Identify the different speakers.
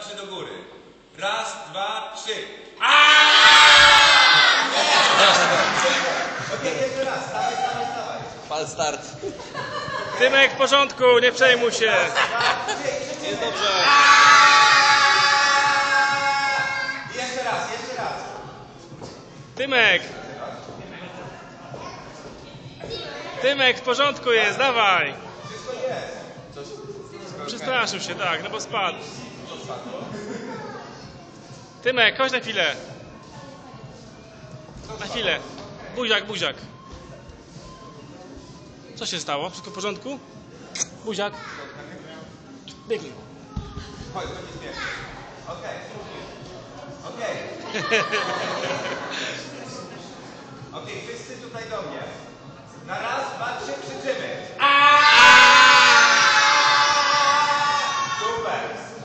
Speaker 1: trzy do góry. Raz, dwa, trzy. Okej, jeszcze raz. Stawaj.
Speaker 2: Fal start.
Speaker 3: Tymek, w porządku, nie przejmuj się.
Speaker 2: Jest dobrze.
Speaker 1: Jeszcze raz.
Speaker 3: Tymek. Tymek, w porządku jest, dawaj.
Speaker 1: Wszystko jest.
Speaker 3: Przestraszył się, tak, no bo spadł. Tymek, chodź na chwilę. Na chwilę. Buziak. Co się stało? Wszystko w porządku? Buziak. Biegnij.
Speaker 1: Chodź, to nie śmieszne. Okej, wszyscy tutaj do mnie. Na raz, dwa, trzy krzyczymy. Super.